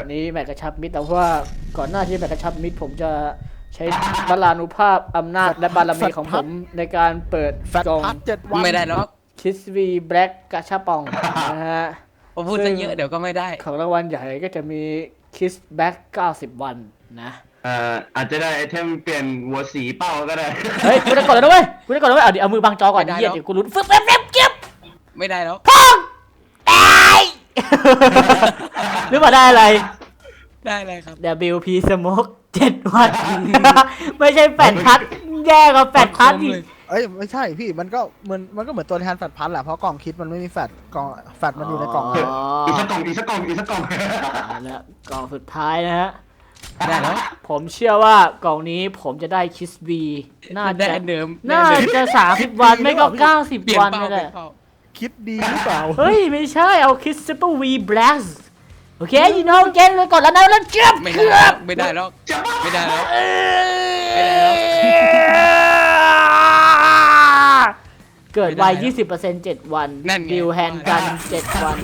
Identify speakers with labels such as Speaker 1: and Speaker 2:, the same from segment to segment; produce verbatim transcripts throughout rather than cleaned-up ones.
Speaker 1: อันนี้แมตช์กระชับมิตรแต่ว่าก่อนหน้าที่แมตช์กระชับมิตรผมจะใช้บาลานุภาพอำนาจและบารมีของผมในการเปิดกล่อง
Speaker 2: เจ็ดวัน
Speaker 3: ไม่ได้หรอก
Speaker 1: คิสวีแบล็กกระชับปองนะฮะ
Speaker 3: ผมพูดซะเยอะเดี๋ยวก็ไม่ได้
Speaker 1: ของรางวัลใหญ่ก็จะมีคิสแบ็กเก้าสิบวันนะ
Speaker 4: เอ่ออาจจะได้ไอเทมเปลี่ยนหัวสีเป้าก็ได้
Speaker 1: เฮ้ยกูจะกดแล้วด้วยกูจะกดแล้วด้วยเอาดิเอามือบังจอก่อนเหี้ยเดี๋ยวกูลุ้นฟึ๊บฟึ๊บฟึ๊บเก็บ
Speaker 3: ไม่ได้แล้ว
Speaker 1: พองตายหรือว่าได้อะไร
Speaker 3: ได้เลยครับ
Speaker 1: ดับเบิลยู พี Smoke เจ็ดวันไม่ใช่แปดพัดแย่กว่าแปดพัดอีก
Speaker 2: เอ้ยไม่ใช่พี่มันก็เหมือนมันก็เหมือนตัวแทนแฟดพันแหละเพราะกล่องคิดมันไม่มีแฟดกล่องแฟดมันอยู่ในกล่อง
Speaker 4: อีกสักกล่องอีกสักกล่องอีกสักกล่อง
Speaker 1: แล้วกล่องสุดท้ายนะฮะ
Speaker 3: ได้แล้ว
Speaker 1: ผมเชื่อว่ากล่องนี้ผมจะได้คิสบีน่าจะ
Speaker 3: เดิม
Speaker 1: น่าจะสามสิบวันไม่ก็เก้าสิบวันนี่แหละ
Speaker 2: คิดดีหรือเปล่า
Speaker 1: เฮ้ยไม่ใช่เอาคิสซูเปอร์วีแบล็กโอเคยูโน่เกนเลยก่อนแล้วนะแล้วเจ็บ
Speaker 3: ไม่ได้แล้วไม่ได้แล้วไม่ได้แล้วไม่ได้แล้ว
Speaker 1: เกิดไว ยี่สิบเปอร์เซ็นต์ เจ็ดวันดิวแฮนด์กันเจ็ดวัน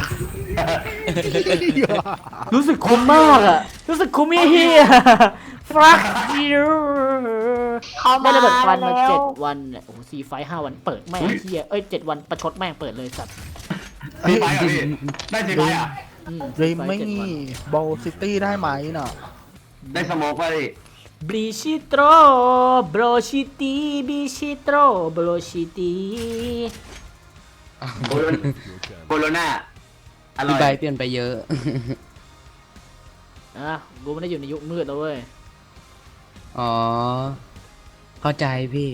Speaker 1: รู้สึกคุ้มมากอะรู้สึกคุ้มเฮียฟรักยูได้ระเบิดควันมาเจ็ดวันเนี่ยโอ้โหซีไฟห้าวันเปิดแม่งเฮียเอ้ยเจ็ดวันประชดแม่งเปิดเลยสัตว์
Speaker 4: สีไฟอ่ะพี่ได้สีไฟอ่ะ
Speaker 2: ริมไม่โบซิตี้ได้ไหมเนาะ
Speaker 4: ได้สโมกไปดิ
Speaker 1: บริชิโตรบรชิตีบิชิโตรบรชิตี
Speaker 4: โคโรนาอร่อย
Speaker 3: ใบเปลี่ยนไปเยอะ
Speaker 1: อ่ะกูไม่ได้อยู่ในยุคมืดแล้วเว้ย
Speaker 3: อ๋อเข้าใจพี่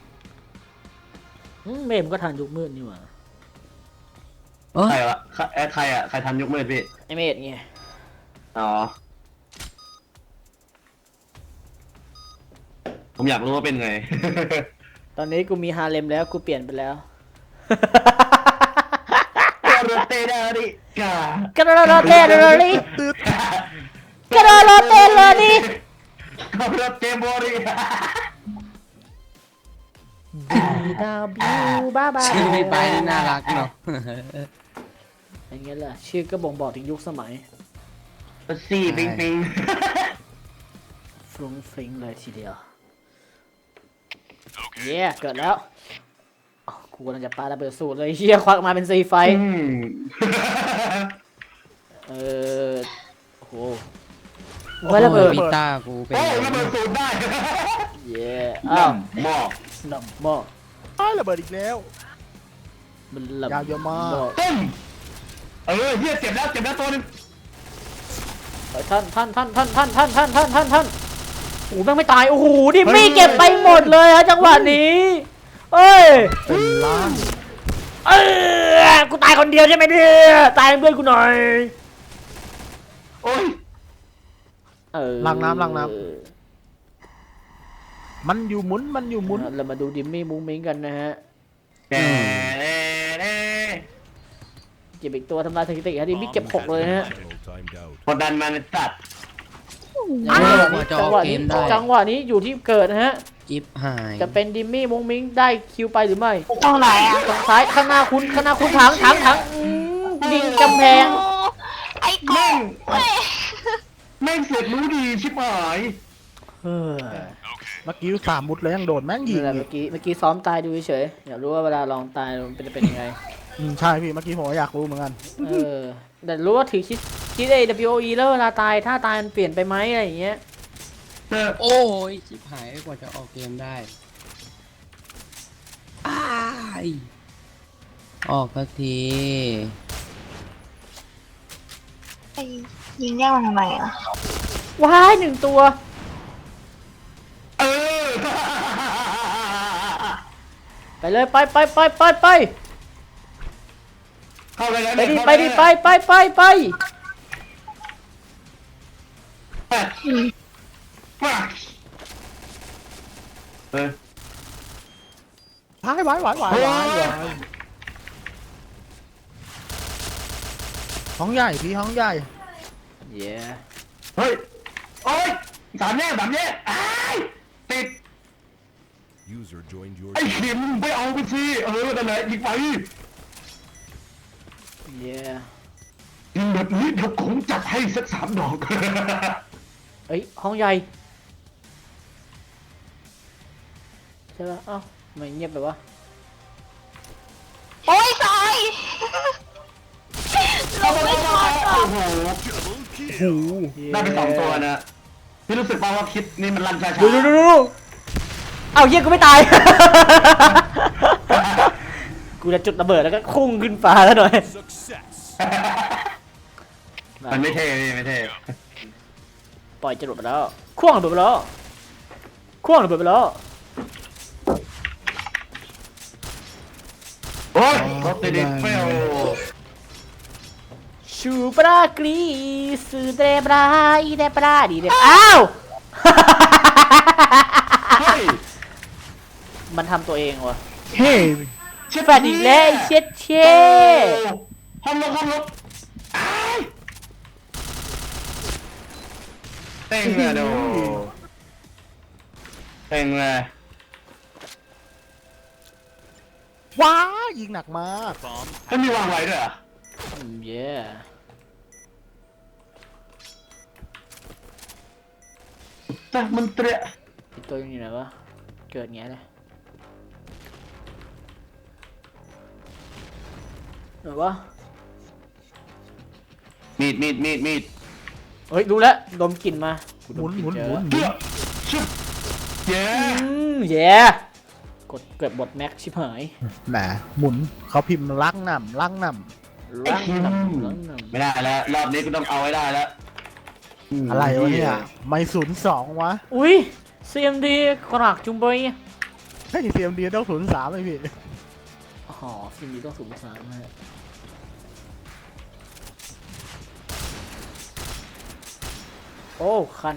Speaker 1: เมมก็ทันยุคมืดนี่หว่า
Speaker 4: ใครวะใครอ่ะใครทันยุคมืดพี่
Speaker 1: ไอเมดไง
Speaker 4: อ๋อผมอยากรู้ว่าเป็นไง
Speaker 1: ตอนนี้กูมีฮาเลมแล้วกูเปลี่ยนไปแล้ว
Speaker 4: กระโดดเตะได้ดิก
Speaker 1: ากระโดดเตะเลยดิกระโดดเตะเลยดิ
Speaker 4: กระโดดเตะบอล
Speaker 1: บีดาบิวบ้าบ้า
Speaker 3: ชื่อพี่ไปน่ารักเนาะ
Speaker 1: อย่างเงี้ยแหละชื่อก็บ่งบอกถึงยุคสมัย
Speaker 4: สี่ปิงปิง
Speaker 1: ฟรุ้งฟริ้งเลยทีเดียวเย้เกิดแล้วกูกำลังจะปาระเบิดสูตรเลยเฮียควักมาเป็นซีไฟเออโอ้โหว่าระเบิด
Speaker 3: ปีต้ากูเป็น
Speaker 4: โอ้ระเบิดสูตรได้
Speaker 1: เย้อ้าว
Speaker 4: หม้อ
Speaker 1: หนับหม้อ
Speaker 2: อ้าวระเบิดอีกแล้ว
Speaker 1: มันหลับ
Speaker 2: ยาวเยอะมาก
Speaker 4: ตึ้มเออเฮียเจ็บแล้วเจ็บแล้วตัวนึง
Speaker 1: ท่านท่านท่านท่านท่านท่านท่านท่านท่านท่านโอ้แม่งไม่ตายโอ้โหดิมี่เก็บไปหมดเลยฮะจังหวะนี้เอ้ย
Speaker 2: เป็นล้าน
Speaker 1: เออกูตายคนเดียวใช่ไหมเนี่ยตายเพื่อนกูหน่อย
Speaker 4: โอ้ย
Speaker 1: เออ
Speaker 2: ล้างน้ำล้างน้ำมันอยู่หมุนมันอยู่หมุน
Speaker 1: เรามาดูดิมี่มุ้งมิ้งกันนะฮะเก็บอีกตัวทำลายสถิติฮะดิมี่เก็บหกเลยฮะ
Speaker 4: กดดันมันตัด
Speaker 1: จังหวะนี้จังหวะนี้อยู่ที่เกิดนะฮะ
Speaker 3: จิ๊บหาย
Speaker 1: จะเป็นดิมี่มุ้งมิ้งได้คิวไปหรือไม่
Speaker 5: ตรงไหนอ่ะ
Speaker 1: ตรงซ้ายข้างหน้าคุณข้างหน้าคุณถังถังถังดิงกำแพง
Speaker 5: ไอ้แม่ง
Speaker 4: แม่งเสร็จรู้ดีชิบหาย
Speaker 1: เ
Speaker 2: มื่อกี้สามมุดเลยยังโดดแม่งยิง
Speaker 1: เมื่อกี้เมื่อกี้ซ้อมตายดูเฉยอยากรู้ว่าเวลาลองตายมันเป็นเป็นยังไง
Speaker 2: ใช่พี่เมื่อกี้ผมอยากรู้เหมือนกัน
Speaker 1: เออแต่รู้ว่าถือคิดคิด เอ ดับเบิล ยู โอ อี แล้วเวลาตายถ้าตายมันเปลี่ยนไปไหมอะไรอย่างเงี้ย
Speaker 3: โอ้ยชิบหายกว่าจะออกเกมได้อ้ายออกสักที
Speaker 5: ไอ้ยิงแย่งมันทำไมอ่ะ
Speaker 1: ว้ายหนึ่งตัว
Speaker 4: เออ
Speaker 1: ไปเลยไปไปไปไปไป
Speaker 4: เข้าไปแล้ว
Speaker 1: ไปดิไปดิไปไปไปไป
Speaker 4: เออ
Speaker 2: วายวายวายวายวายวายห้องใหญ่พี่ห้องใหญ่
Speaker 1: เย้
Speaker 4: เฮ้ยโอ้ยสามแยกสามแยกติดไอ้เข็มไปเอาไปสิเออนั่นแหละยิงไป
Speaker 1: เย้
Speaker 4: ยยิงแบบนี้เดี๋ยวผมจัดให้สักสามดอก
Speaker 1: เอ้ยห้องใหญ่ใช่ปะเอ้าทำไมเงียบไปวะ
Speaker 5: โอ้ยซอยลงไม่ทันอ่ะ
Speaker 4: โอ้โหได้ไปสองตัวนะพี่รู้สึกป่าวว่าคิดนี่มันรันช้าๆ
Speaker 1: ดูดูดูดูเอ้าเฮียกูไม่ตาย กูจะจุดระเบิดแล้วก็พุ่งขึ้นฟ้าแล้วหน่อย
Speaker 4: มันไม่เท่พี่ไม่เท่
Speaker 1: ปล่อยจรวดไปแล้วข่วงระเบิดไปแล้วข่วงระเบิดไปแล้ว
Speaker 4: โอ้ยรถติดเฟล
Speaker 1: ชูปรากรีสือเดบราอีเดบราดีเดบอ้าว
Speaker 4: เฮ้ย
Speaker 1: มันทำตัวเองวะ
Speaker 2: เฮ้
Speaker 1: แฟดอีกแล้วไอ้เช็ดเช่
Speaker 4: ห้องลบห้องลบอ้ายเต็งเลยดูเต็งเลย
Speaker 2: ว้ายิงหนักมาก
Speaker 4: ไม่มีวางไว้ด้วยเหรอ
Speaker 1: อืมเย่
Speaker 4: แต่มันเตะ
Speaker 1: ไอ้ตัวนี้ไหนวะเกิดไงเลยไหนวะ
Speaker 4: มีดมีดมีดมีด
Speaker 1: เฮ้ยรู้แล้วดมกลิ่นมากู
Speaker 2: ห
Speaker 1: ด
Speaker 2: มุน
Speaker 1: กลิ่
Speaker 2: หมุน
Speaker 1: เจ
Speaker 2: หมุ
Speaker 1: อน
Speaker 2: หมุ
Speaker 4: เกื
Speaker 2: น
Speaker 4: อบชุบเย้
Speaker 1: อืมเย่กดเกิดบทแม็กชิบหาย
Speaker 2: แหมหมุนเขาพิมพ์ลักหนำลักหน
Speaker 1: ล้างน้ำล้างน้
Speaker 4: ไม่ได้แล้วรอบนี้กูต้องเอาไว้ได้แล้ว
Speaker 2: ำอะไรวะเนี่ยไม่ศูนย์สองวะ
Speaker 1: ำอุ้ย ซี เอ็ม ดี กรากจุงเบย
Speaker 2: เฮ้ยเซียมดีต้องศูนย์สามไอพี่
Speaker 1: อ๋อ ซี เอ็ม ดี ต้องสูงสามนะฮะโอ้คัน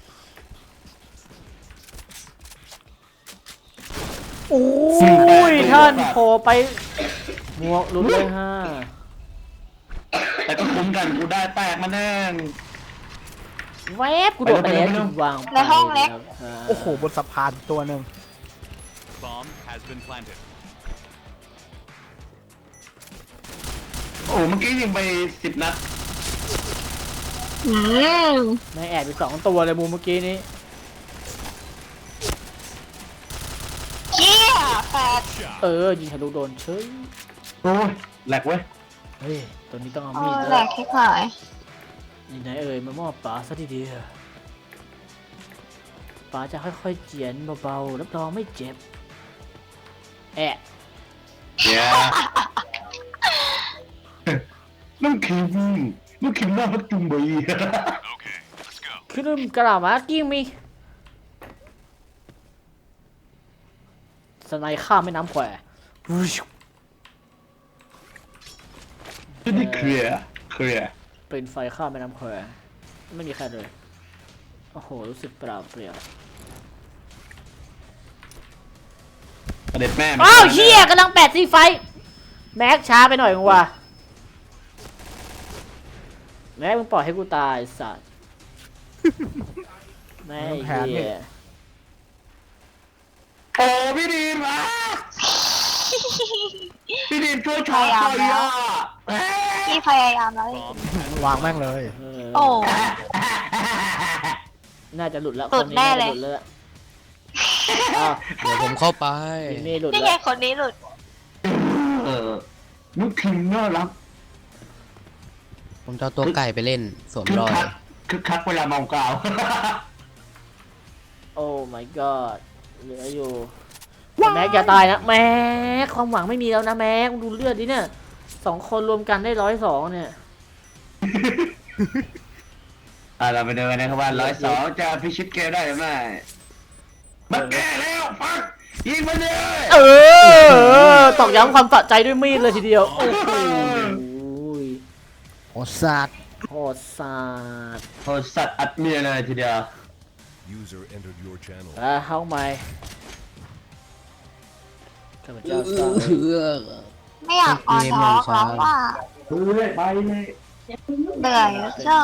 Speaker 1: โอ้ยท่านโผล่ไปหมวกหลุดเลยฮะ
Speaker 4: แต่ก็คุ้มกันกูได้แตกมาแน่
Speaker 1: แวบกูโดดไปแล้วจุดวางไป
Speaker 5: ในห้องเล็ก
Speaker 1: ครับ
Speaker 2: โอ้โหบนสะพานตัวหนึ่ง
Speaker 3: Bomb has been planted.
Speaker 4: โอ้เมื่อกี้ยิงไปสิบนัด
Speaker 5: อืม
Speaker 1: ไม่แอบไปสองตัวเลยมูเมื่อกี้นี้
Speaker 5: เจี๊ยแฟด
Speaker 1: เออ ยิงทะลุโดนเฉย
Speaker 4: โอ้ยแหลกเว้ย
Speaker 1: เฮ้ย ตัวนี้ต้องเอา
Speaker 5: เอ
Speaker 1: มีด
Speaker 5: อ
Speaker 1: แล้
Speaker 5: แหล
Speaker 1: ว
Speaker 5: กคลิปหาย
Speaker 1: นี่ไหนเอ่ยมามอบป๋าซะทีเดียวป๋าจะค่อยๆเจียนเบาๆรับรองไม่เจ็บ แอะ
Speaker 4: เย้น้องคิมน้องคิมน่ารักจุงเบย
Speaker 1: คือลืมกระมากิ้งมีสไนข้ามแม่น้ำแคว
Speaker 4: ที่นี่เคลียร์เคลียร์
Speaker 1: เป็นไฟข้ามแม่น้ำแควไม่มีใครเลย โอ้โห รู้สึกเปล่าเปลี่ยว
Speaker 4: ประเด็ดแม่
Speaker 1: อ้าวเฮียกำลังแปดซีไฟ แม็กช้าไปหน่อยมึงว่ะแม็กมึงปล่อยให้กูตายสัตว์แม่เฮีย
Speaker 4: โอ้พี่ดีนมาพี่ดีนช่วยช็อตหน่อยอ่ะ
Speaker 5: พี่พยายามแล้ว
Speaker 3: Bomb
Speaker 2: วางแม่งเลย
Speaker 1: เออ
Speaker 5: โอ้
Speaker 1: น่าจะหลุดแล้ว
Speaker 5: หลุดแน่เลย
Speaker 1: คนี้าจะหดแล้วอ้าว
Speaker 3: เดี๋ยวผมเข้าไป
Speaker 1: ทีนี่หลุด
Speaker 5: นี่ไง
Speaker 1: แล้ว
Speaker 5: คนนี้หลุด
Speaker 4: เออน้องคิมน่ารัก
Speaker 3: ผมจะเอาตัวไก่ไปเล่นสวม
Speaker 4: คึก
Speaker 3: รอย
Speaker 4: คักคึกคักเวลาเมากาว
Speaker 1: โอ้ my god เหลืออยู่แม็กอย่าตายนะแม็กความหวังไม่มีแล้วนะแม็กดูเลือดดิเนี่ยสองคนรวมกันได้ร้อยสองเนี่ย
Speaker 4: อ่ะเราไปดูกันนะครับว่าร้อยสองจะพิชิตเกมได้หรือไม่มาแก้แล้วฟักยิงมาเลย
Speaker 1: เออตอกย้ำความสะใจด้วยมีดเลยทีเดียว โอ้โห
Speaker 2: โอสัตว์
Speaker 1: โหดสาด
Speaker 4: โหสัตว์อัดเมียเลยทีเดียว
Speaker 6: User entered your channel.
Speaker 1: อ่ะเข้ามาข้าพเจ้าสร้าง
Speaker 5: ไม่อยากออนท็อกแล้วว่า
Speaker 4: เฮ้ยไปเลย
Speaker 5: เหนื่อยเจ้า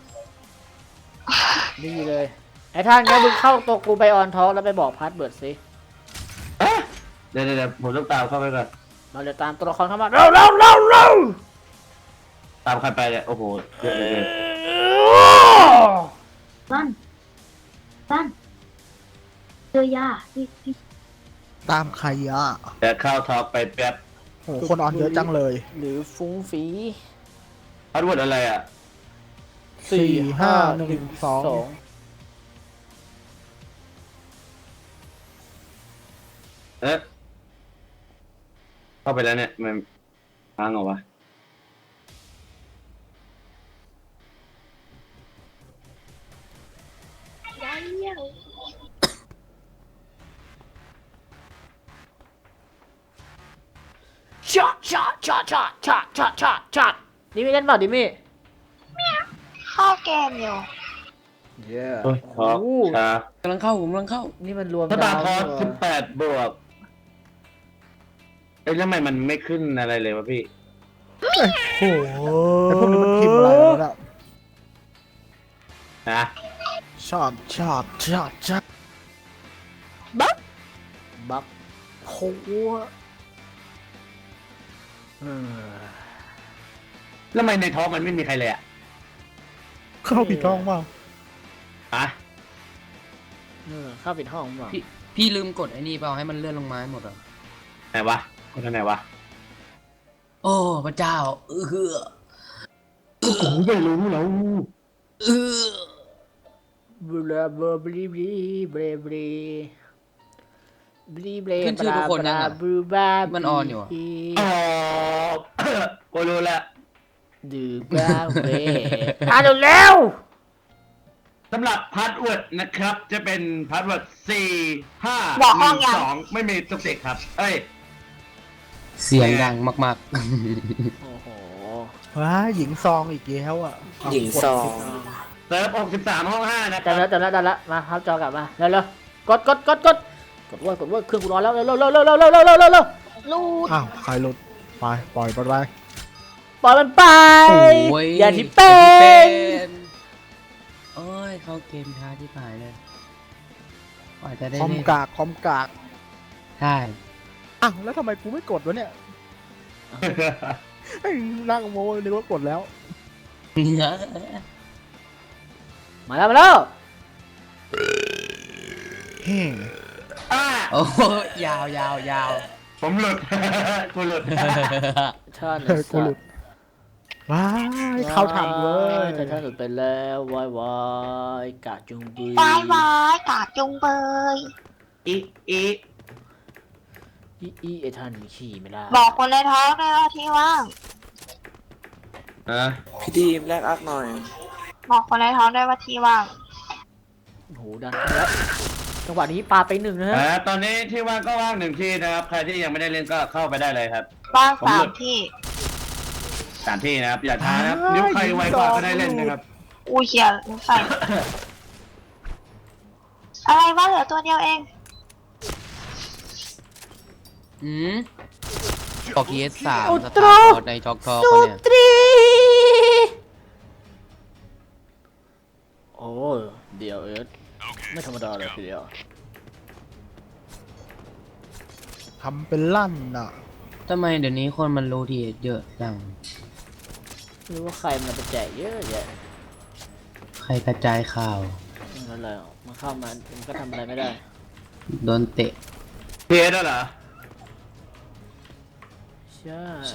Speaker 1: นี่เลยไอ้ท่านก็มึงเข้าตัวกูไปออนท็อกแล้วไปบอกพาสเวิร์ดสิ
Speaker 4: เอ๊ะเดี๋ยวเดี๋ยวผมต้องตามเข้าไปก่อน
Speaker 1: มาเดี๋ยวตามตัวละครเข้ามาเร็วเร็วเร็วเร็ว
Speaker 4: ตามใครไปเนี่ยโอ้โหเยอะเลย
Speaker 7: สั้นสั้นเจอยาพี่พี่
Speaker 2: ตามใครอ่ะ
Speaker 4: แต่เข้าทอล์กไปแป๊บ
Speaker 2: โอ้โหคนออนเยอะจังเลย
Speaker 1: หรือฟุ้งฝี
Speaker 4: พาสเวิร์ดอะไรอ่ะ
Speaker 2: สี่ห้าหนึ่งสอง
Speaker 4: เอ๊ะเข้าไปแล้วเนี่ยมันค้างเหรอวะ
Speaker 1: ช็อตช็อตช็อตช็อตช็อตช็อตช็อตช็อตดิมี่เล่นเปล่าดิมี่
Speaker 5: เข้าเกมอยู่
Speaker 1: เย้
Speaker 4: โอ้ยทอล์กช้าก
Speaker 3: ำลังเข้าผมกำลังเข้า
Speaker 1: นี่มันรวม
Speaker 4: ถ้าบาร์ทอล์ก
Speaker 1: ดาว
Speaker 4: สิบแปดบวกเอ้ยแล้วทำไมมันไม่ขึ้นอะไรเลยวะพี่
Speaker 2: โอ้โหไอ้พวกนี้มันพิมพ์อะไรวะเนี่ย
Speaker 4: นะ
Speaker 2: ช็อตช็อตช็อตช็อต
Speaker 1: บักบักโหเออ
Speaker 4: แล้วทำไมในท้องมันไม่มีใครเลยอ่ะ
Speaker 2: เข้าผิดช่องเปล่า
Speaker 4: ฮะ
Speaker 1: เออเข้าปิดห้องเปล่า
Speaker 3: พี่พี่ลืมกดไอ้นี่เปล่าให้มันเลื่อนลงมาให้หมดเหรอ
Speaker 4: ไหนวะคนไหนวะ
Speaker 3: โอ้พระเจ้าเออเออ
Speaker 4: โอ้โหไม่รู้แล้ว
Speaker 3: เออบ
Speaker 1: ลาบลาบลีบลีบลีบลีบลีบลี
Speaker 3: ขึ้นชื่อทุกคนยังอ่ะ
Speaker 1: บลูบา
Speaker 3: มันออนอยู่อะ
Speaker 4: อ๋อ กูรู้แล้ว
Speaker 1: ดูบ้าเว้ยอ่ะเร็วเร็ว
Speaker 4: สำหรับพาสเวิร์ดนะครับ จะเป็นพาสเวิร์ดสี่ห้า
Speaker 5: บอก
Speaker 4: ห
Speaker 5: ห้อ
Speaker 4: นึ่
Speaker 5: ง
Speaker 4: ง
Speaker 5: ยัง
Speaker 4: สองไม่มีตุกติกครับ เอ้ย
Speaker 3: เสียงดังมาก
Speaker 1: โอ้โห
Speaker 2: ว้าหญิงซองอีกแล้วอ่ะ
Speaker 1: หญิงซอง
Speaker 4: เซิร์ฟหกสิบสามห้องห้านะค
Speaker 1: จำ
Speaker 4: รั
Speaker 1: แล้ว
Speaker 4: บ
Speaker 1: จำแล้วจำแล้วมาครับจอกลับมาเร็วเร็วกดกดกดกดกดว่ากดว่าเครื่องกูร้อนแล้วเร็วเร็วเร็วเร็วเร็วเร็วเร็วเร็วเร็วเร็ว
Speaker 5: ลูด
Speaker 2: อ้าวใครหลุดไปปล่อยไปไป
Speaker 1: ปล่อยมันไป
Speaker 3: ๆโอ้ย
Speaker 1: อย่าที่เป็น
Speaker 3: โอ้ยเข้าเกมท้าที่ผ่านเลยกว่าจะได้
Speaker 2: คอม
Speaker 3: เล่น
Speaker 2: กากคอมกาก
Speaker 3: ใช่
Speaker 2: อ้าวแล้วทำไมกูไม่กดวะเนี่ยไอ้นั่งโม้นึกว่ากดแล้ว
Speaker 1: มาแล้วมาแล้ว
Speaker 2: เฮ้
Speaker 4: อ่า
Speaker 3: โอ้ยาวยาวยาว
Speaker 4: ผมหลุด กูหลุด
Speaker 1: ท่าน
Speaker 2: เออกูหลุดว้ายเข้าทำเว้ย
Speaker 1: ท่านท่านหลุดไปแล้ววายวายกาจุงบี
Speaker 5: บายบายกาดจุงเบย
Speaker 4: อีอี
Speaker 1: อีอีไอท่านขี่ไม่ได้
Speaker 5: บอกคนในท้องด้วยว่าที่ว่าง
Speaker 4: อ่ะ
Speaker 8: พี่ดีมแลกอักหน่อย
Speaker 5: บอกคนในท้องด้วยว่าที่ว่าง
Speaker 1: โอ้โหดันแล้วจังหวะนี้ปาไปหนึ่งนะฮะ
Speaker 4: อ่าตอนนี้ที่ว่างก็ว่างหนึ่งที่นะครับ ใครที่ยังไม่ได้เล่นก็เข้าไปได้เลยครับ
Speaker 5: ว่าง
Speaker 4: ผม
Speaker 5: สา
Speaker 4: หลุ
Speaker 5: ม
Speaker 4: ด
Speaker 5: ที่
Speaker 4: สามที่นะครับ อย่าท้านะครับนิ้วใครไวกว่าก็ได้เล่นนะครับ
Speaker 5: อุ้ยเขียนใส่ อะไรวะเหลือตัวเดียวเอง
Speaker 3: อืมกอกเอสสาม
Speaker 1: อุ
Speaker 3: ส
Speaker 1: ต
Speaker 3: ตา
Speaker 1: รุ
Speaker 3: ร์ทอในจอกทอ
Speaker 1: สุ
Speaker 3: เขาเนี่ย
Speaker 1: ตรีโอ้เดี๋ยวเอิร์ธไม่ธรรมดาเลยทีเดียว
Speaker 2: ทำเป็นลั่นอ่ะ
Speaker 3: ทำไมเดี๋ยวนี้คนมันรู้ทีเยอะจัง
Speaker 1: ไม่รู้ว่าใครมันจะแจกเยอะแยะ
Speaker 3: ใครกระจายข่าว
Speaker 1: นั่นแหละมันเข้ามามันก็ทำอะไรไม่ได้
Speaker 3: โดนเตะ
Speaker 4: เพียร์เหรอ
Speaker 1: ใช่
Speaker 3: ใช่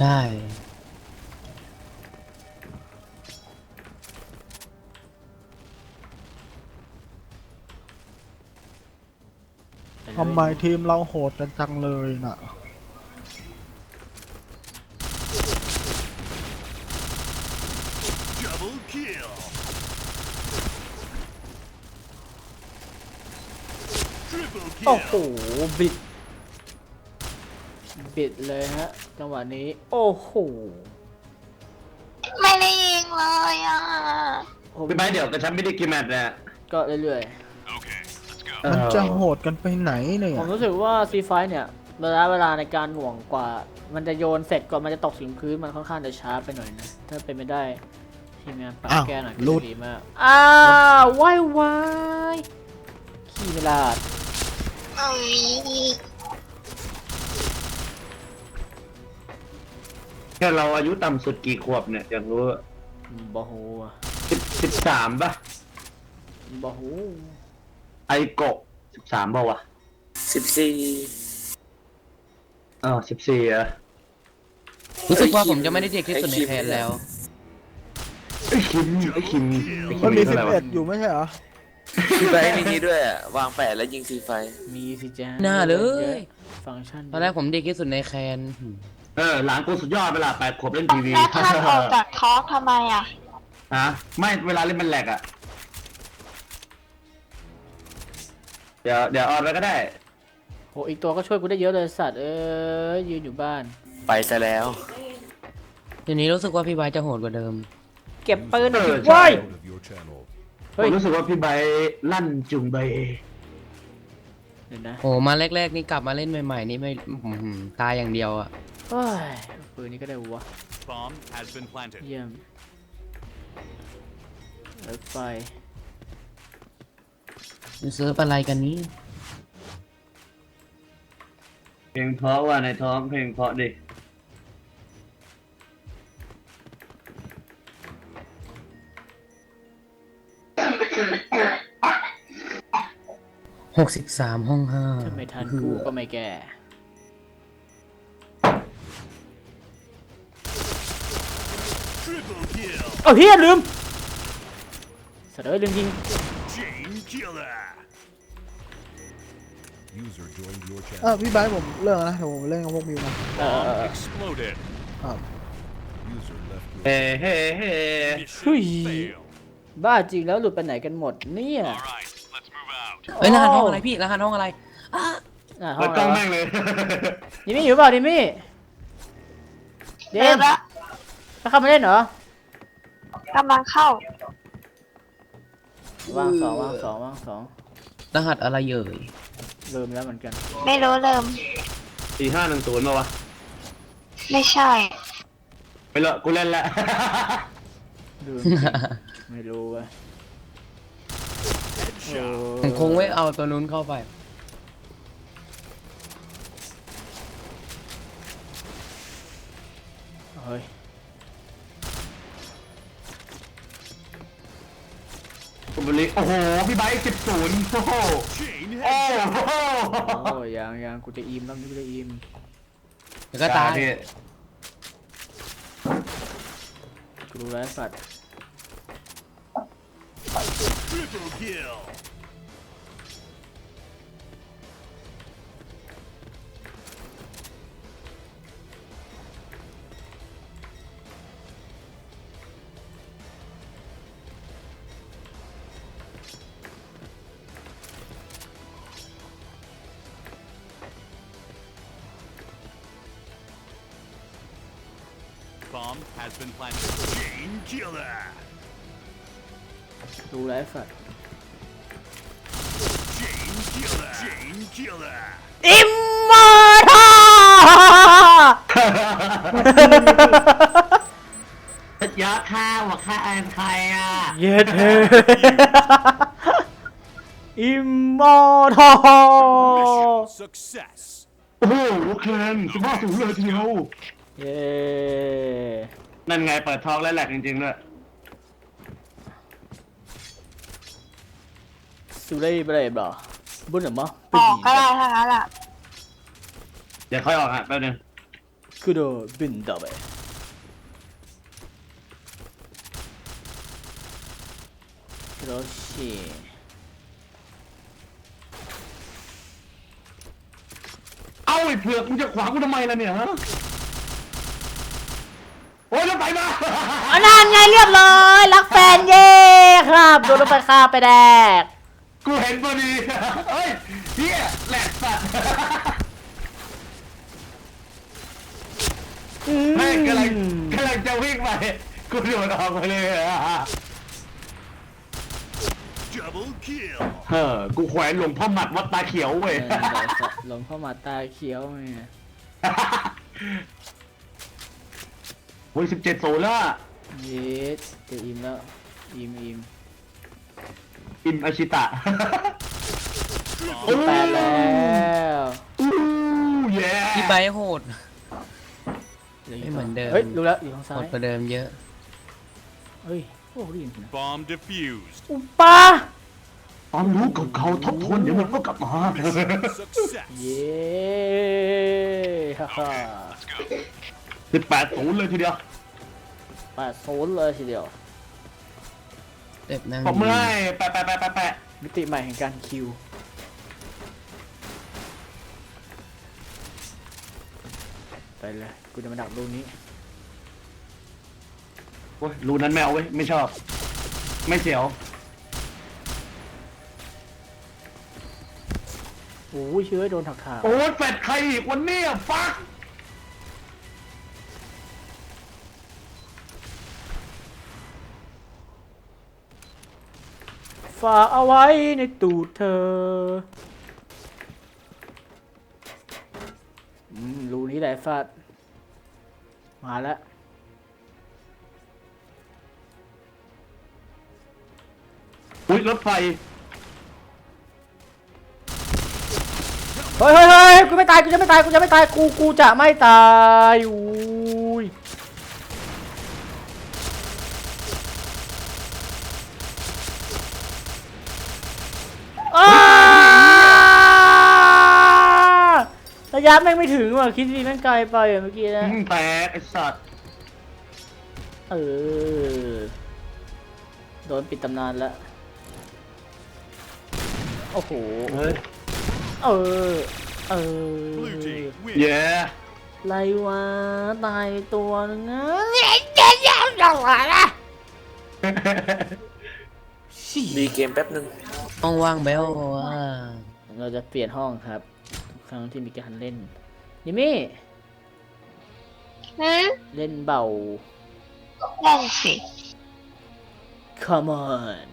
Speaker 2: ทำไมทีมเราโหดกันจังเลยน่ะ
Speaker 6: Double kill. Triple
Speaker 1: โอ้
Speaker 6: kill.
Speaker 1: โหบิดบิดเลยฮะจังหวะนี้ โอ้โห
Speaker 5: ไม่ได้ยิงเลยอ่ะ
Speaker 1: ผม
Speaker 4: พี่ไบร์ทเดี๋ยวกระชับไม่ได้กี่แมตช์นะ
Speaker 1: ก็เรื่อย
Speaker 6: Okay, let's go.
Speaker 2: มันจะโหดกันไปไหนเนี่
Speaker 1: ๆ
Speaker 2: ย
Speaker 1: ผมรู้สึกว่าซีไฟเนี่ยระยะเวลาในการหน่วงกว่า มันจะโยนเสร็จก่อนมันจะตกถึงพื้นมันค่อนข้างจะช้าไปหน่อยนะ ถ้าเป็นไม่ได้ทีมงานปรับ
Speaker 2: อ้าว
Speaker 1: แก้หน่อยก็
Speaker 2: หลุด
Speaker 1: จะดีมาก อ้าววายวายขี้เวลาด
Speaker 5: เอ้ย
Speaker 1: โ
Speaker 4: แค่เราอายุต่ำสุดกี่ขวบเนี่ยอยากรู้
Speaker 1: บอโฮอะ
Speaker 4: สิบสิบสามป่ะ
Speaker 1: บอโฮ
Speaker 4: ไอโกะสิบสามป่ะวะ
Speaker 8: สิบสี่
Speaker 4: อ๋อสิบสี่อะ
Speaker 3: รู้สึกว่าผมจะไม่ได้เด็กที่สุดในแคนแล้ว
Speaker 4: ไอคิมไอคิมไอคิ
Speaker 2: มันมี
Speaker 4: เท่า
Speaker 2: สิบ
Speaker 4: ไหร่วะ
Speaker 2: เอ็ดอยู่ไม่ใช่เหรอ
Speaker 8: พี่ไบร์ทมีนี้ด้วยอะวางแปดแล้วยิงซีไฟ
Speaker 1: มีสิจ้า
Speaker 3: น่าเลย
Speaker 1: ฟังก์ชัน
Speaker 3: ตอนแรกผมเด็กที่สุดในแคน
Speaker 4: เออหลานกูสุดยอดไปละแปดขวบเล่นทีวี
Speaker 5: แล้วท่านออกจากทอล์กทำไมอ่ะ
Speaker 4: ฮะไม่เวลาเล่นมันแหลกอะเดี๋ยวเดี๋ยวออนไปก็ได้
Speaker 1: โหอีกตัวก็ช่วยกูได้เยอะเลยสัตว์เอ้ยยืนอยู่บ้าน
Speaker 8: ไปซะแล้ว
Speaker 3: เดี๋ยวนี้รู้สึกว่าพี่ไบร์ทจะโหดกว่าเดิม
Speaker 1: เก็บปืน
Speaker 4: เออ
Speaker 1: ไว้
Speaker 4: ใช่
Speaker 6: Out of your channel.
Speaker 4: ผ
Speaker 1: เฮ้ย
Speaker 4: มรู้สึกว่าพี่ไบร์ทลั่นจุงเบย
Speaker 1: เดี๋ยวนะ
Speaker 3: โอ้มาแรกๆนี่กลับมาเล่นใหม่ๆนี่ไม่อื้อหือตายอย่างเดียวอะ
Speaker 1: เฮ้ยปืนนี้ก็ได้วะ
Speaker 6: Bomb has been planted.
Speaker 1: เยี่ยมรถไฟ
Speaker 3: เซิร์ฟอะไรกันนี้
Speaker 4: เพลงเพราะว่าในท้องเพลงเพราะดิ
Speaker 3: หกสิบสามห้องห้า
Speaker 1: ถ้าไม่ทันกูก็ไม่แก่
Speaker 6: Triple kill.
Speaker 1: เอาเฮียลืมสัตว์เอ้ยลืมยิง
Speaker 6: Chain killer. User joined your
Speaker 2: เออ
Speaker 6: channel.
Speaker 2: พี่ไบร์ทผมเลิกแล้วนะเดี๋ยวผมเล่นกับพวกมิวนะ
Speaker 1: เออเออ
Speaker 6: Bomb
Speaker 1: เออ
Speaker 6: exploded.
Speaker 2: อ่า
Speaker 6: User left your
Speaker 4: เฮ้เฮ้เฮ้
Speaker 1: เฮ้ย
Speaker 6: mission failed.
Speaker 1: บ้าจริงแล้วหลุดไปไหนกันหมดเนี่ย
Speaker 6: All right, let's move out.
Speaker 3: เอ้ยรหัสห้องอะไรพี่รหัสห้องอะไร
Speaker 1: อ่ะห้อ
Speaker 4: เปิ
Speaker 1: ง
Speaker 4: ด
Speaker 1: อะ
Speaker 4: กล้อง
Speaker 1: ไร
Speaker 4: แม่งเลย
Speaker 1: ดิมี่อยู่เปล่าดิมี่เด
Speaker 5: เริ่
Speaker 1: ม
Speaker 5: มละ
Speaker 1: ถ้าเข้ามาเล่นเหรอก
Speaker 5: ำลังเข้า
Speaker 1: วางสองวางสองวางสอง
Speaker 3: รหัสอะไรเอ่ย
Speaker 1: ลืมแล้วเหมือนกัน
Speaker 5: ไม่รู้เริ่ม
Speaker 4: สี่ห้าหนึ่งศูนย์มาวะ
Speaker 5: ไม่ใช่
Speaker 4: ไปเลยกูเล่นแล้ว
Speaker 1: ลืมไม่รู้เว้ยโอ้
Speaker 3: ผมคงไม่เอาตัวนู้นเข้าไป
Speaker 1: เฮ้ย
Speaker 4: คุณบริโอ้โห พี่ไบค์สิบศูนย์โอ้โห
Speaker 6: Chain
Speaker 4: โอ้
Speaker 6: head.
Speaker 4: โห
Speaker 1: โอ้ยยังยังกูจะอิมแล้วกูจะอิม
Speaker 3: เดี๋ยวก็ตาย
Speaker 4: พี่
Speaker 1: กูรู้แล้วสัตว์
Speaker 6: Triple kill. Bomb has been planted. Chain killer.
Speaker 1: รู้แล้วสัตว์
Speaker 6: Chain killer. Chain killer.
Speaker 1: อิมมอร์ทัล
Speaker 4: ยะข้าวอะข้าอันใครอ่ะ
Speaker 1: เย็ดเฮ้อิมมอร์ทัล
Speaker 6: Mission success.
Speaker 4: โอ้โหเคนสิบห้าศูนย์เลยทีเดียว
Speaker 1: เย้
Speaker 4: นั่นไงเปิดทองแล้วแหลกจริงๆด้วย
Speaker 1: สุเร่เบรบเหรอบุญเหรอมะ
Speaker 5: ออกก็ได้ทั้งนั้นแหละ
Speaker 4: เดี๋ยวค่อยออกอ่ะแป๊บนึง
Speaker 1: คือโดบินดับเบิลโรชิ
Speaker 4: เอ้าไอ้เผือกมึงจะขวางกูทำไมล่ะเนี่ยฮะโอ้ยรถไฟมา
Speaker 1: อันนั้นไงเรียบร้อยรักแฟนเย่ครับโดนรถไฟคาไปแดก
Speaker 4: กูเห็นพอดีเฮ้ยเฮียแหลกสัตว์แม่งกำลังกำลังจะวิ่งไปกูโดดออกไปเลยอะ
Speaker 6: Double kill.
Speaker 4: เฮ้อกูแขวนหลวงพ่อหมัดวัดตาเขียวเว้ย
Speaker 1: เออเดี๋ยวสัตว์หลงเข้ามาตาเขียวไง
Speaker 4: โอ้ยสิบเจ็ดโซล่า
Speaker 1: เย็ดจะอิมแล้วอิมอิม
Speaker 4: อิมอาชิตะ
Speaker 1: สิบแปดแล้ว
Speaker 4: อู้เย้
Speaker 3: พี่ไบร์ทโหดไม่เหมือนเดิม
Speaker 1: เฮ้ยรู้แล้วอยู่ทางซ้า
Speaker 3: หม
Speaker 1: ย
Speaker 3: ดประเดิมเยอะ
Speaker 1: เฮ้ยโอ้ได้ยินนะ
Speaker 6: Bomb defused.
Speaker 1: อุปา
Speaker 4: ความรู้เก่าๆทบทวนเดี๋ยวมันก็กลับมา
Speaker 6: Success.
Speaker 1: เย้ฮ่าฮ่า
Speaker 4: สิบแปดศูนย์เลยทีเดียว
Speaker 1: แปดโซนเลยทีเดียว
Speaker 3: เต็บนั่ง
Speaker 4: ผมเมื่อยแปะแปะแปะแปะแปะ
Speaker 1: มิติใหม่แห่งการคิวไปเลยกูจะมาดักรูนี้
Speaker 4: โอ้ยรูนั้นไม่เอาเว้ยไม่ชอบ ไม่เสียว
Speaker 1: โอ้ยเชื้อโดนถักถาก
Speaker 4: โอ้ยแฟดใครอีกวันนี้อะฟัก
Speaker 1: ฝากเอาไว้ในตูดเธออืมรูนี้แหละฟาดมาแล้ว
Speaker 4: อุ้ยรถไฟ
Speaker 1: เฮ้ยเฮ้ยเฮ้ยกูไม่ตายกูจะไม่ตายกูจะไม่ตายกูกูจะไม่ตายอุ้ยอ้าระยะแม่งไม่ถึงว่ะคิดดีแม่งไกลไปอ่ะเมื่อกี้นะ
Speaker 4: อืมแตกไอ้สัตว์
Speaker 1: เออโดนปิดตำนานแล้วโอ้โห
Speaker 4: เฮ้ย
Speaker 1: เออเออ
Speaker 6: Blue team win.
Speaker 4: เย้
Speaker 1: ไรวะตายไปตัวนึงนะเจ๊เจ๊ยาวจังวะนะ
Speaker 8: มีเกมแป๊บนึง
Speaker 3: ห้องว่างเบลว่า
Speaker 1: เราจะเปลี่ยนห้องครับทุกครั้งที่มีการเล่นนิมี่
Speaker 5: หืม
Speaker 1: เล่นเบา
Speaker 5: นั่นสิ
Speaker 1: come on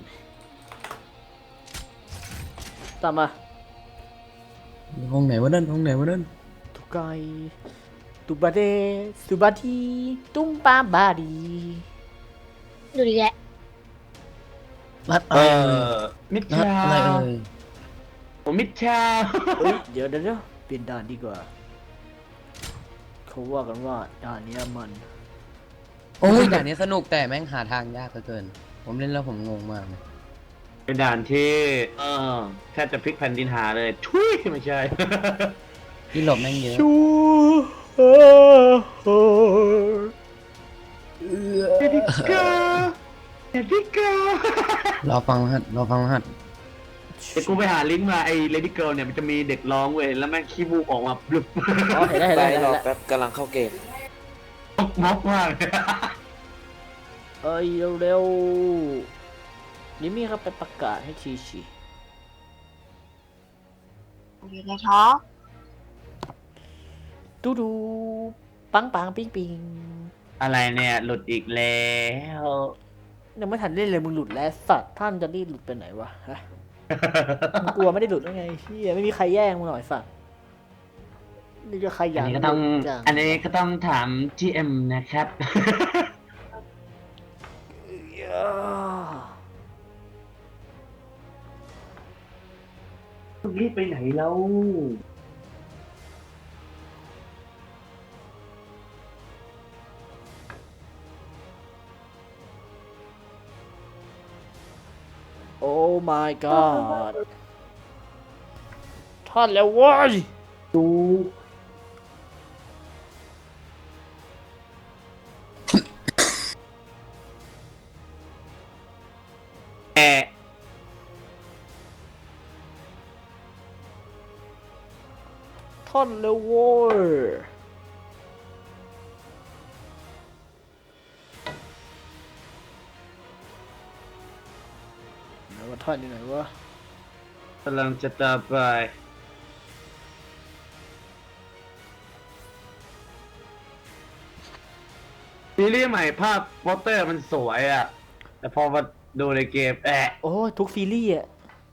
Speaker 1: ตามมา
Speaker 3: ห้องไหนวะนั่นห้องไหนวะนั่น
Speaker 1: ทุกไกตุบาเดสุบาทีตุ้มปาบาดี
Speaker 5: ดูดิแหละ
Speaker 3: รัด
Speaker 4: เอ
Speaker 3: อะไรเอ่ย
Speaker 4: อมิด
Speaker 3: รัด
Speaker 4: ชา
Speaker 3: อะไรเอ่ย
Speaker 4: ผมมิดชา
Speaker 1: เฮ้ยเดี๋ยวเดี๋ยวเดี๋ยวเปลี่ยนด่านดีกว่าเขาว่ากันว่าด่านเนี้ยมัน
Speaker 3: โอ้ยด่านนี้สนุกแต่แม่งหาทางยากเหลือเกิน ผมเล่นแล้วผมงงมากเลย
Speaker 4: เป็นด่านที่เออแทบจะพลิกแผ่นดินหาเลยทุยไม่ใช่
Speaker 3: ที่หลบแม่งเยอะ
Speaker 1: ชูเออเออ
Speaker 4: เด็กเกอเด็กเกอ
Speaker 3: รอฟังรหัสรอฟังรหัส
Speaker 4: เดี๋ยวกูไปหาลิงก์มาไอ้ Lady Girl เนี่ยมันจะมีเด็กร้องเว้ยแล้วแม่งขี้มูกออกมาบลึบ
Speaker 1: อ๋อเห็นได้วเห็น
Speaker 8: ไป
Speaker 1: ได้วเห็น
Speaker 8: ร
Speaker 1: ได้
Speaker 8: อ
Speaker 1: ว
Speaker 8: แป๊บกำลังเข้าเกม
Speaker 4: ม็อกมากเลย
Speaker 1: เอ้ยเร็วๆนี่มีครับไปประกาศให้ทีชี
Speaker 5: อยู่ในท้อง
Speaker 1: ดูดูปังปังปิงปิง
Speaker 4: อะไรเนี่ยหลุดอีกแล้ว
Speaker 1: ยังไม่ทันเล่นเลยมึงหลุดแล้วสัตว์ท่านจะรีบหลุดไปไหนวะฮะมึงกลัวไม่ได้หลุดได้ไงเฮียไม่มีใครแย่งมึงหน่อยสัตว์นี่จะใครอ
Speaker 4: อั
Speaker 1: ยาน ก
Speaker 4: นี้ก็ต้อง
Speaker 1: หลุดจัง
Speaker 4: อันนี้ก็ต้องถาม จี เอ็ม นะครับ รีบไปไหนแล้ว
Speaker 1: โอ้ my god ท่านแล้วเว้ย
Speaker 4: ดู แอะ
Speaker 1: ท่านแล้วเว้ยไหนว่าท่านอยู่ไหนวะ
Speaker 4: กำลังจะตามไปซีรีส์ใหม่ภาพโปสเตอร์มันสวยอ่ะ แต่พอมาดูในเกมแอะ
Speaker 1: โอ้ยทุกซีรีส์อะ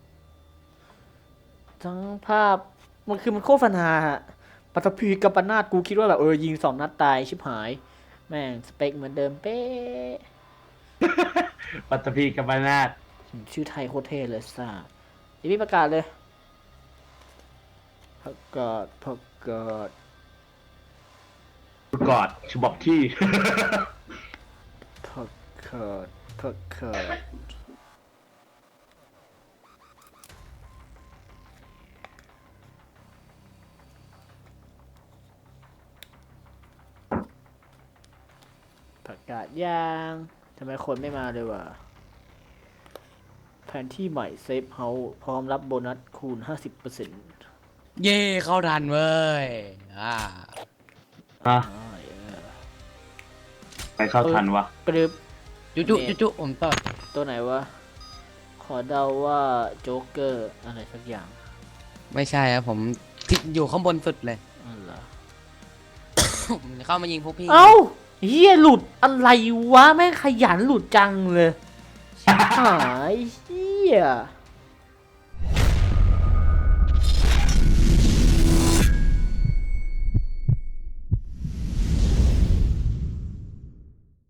Speaker 1: ทั้งภาพมันคือมันโฆษณาฮะปัตภีกับปนาดกูคิดว่าแบบเออยิงสองนัดตายชิบหาย แม่งสเปคเหมือนเดิมเป๊ะ
Speaker 4: ปัตตภีกับบานาด
Speaker 1: ชื่อไทยโคตรเท่เลยซ่าอีพี่ประกาศเลยประกาศประกาศ
Speaker 4: กอดฉบับที่
Speaker 1: พักเคิร์ดพักเคิร์ดประกาศยางทำไมคนไม่มาเลยวะแผนที่ใหม่เซฟเฮาส์พร้อมรับโบนัสคูณ ห้าสิบเปอร์เซ็นต์
Speaker 3: เย่เข้าทันเว้ยอ่า
Speaker 4: ฮะ
Speaker 1: อ่าเออ
Speaker 4: ไปเข้าทันวะ
Speaker 1: กรึบ
Speaker 3: จุจุจุจุผมต่อ
Speaker 1: ตัวไหนวะ ขอเดาว่าโจ๊กเกอร์อะไรสักอย่าง
Speaker 3: ไม่ใช่ครับผมที่อยู่ข้างบนสุดเลย
Speaker 1: อ๋อเหรอ
Speaker 3: ผมจะเข้ามายิงพวกพี่
Speaker 1: เอ้าเฮียหลุดอะไรวะ แม่งขยันหลุดจังเลย หายเฮีย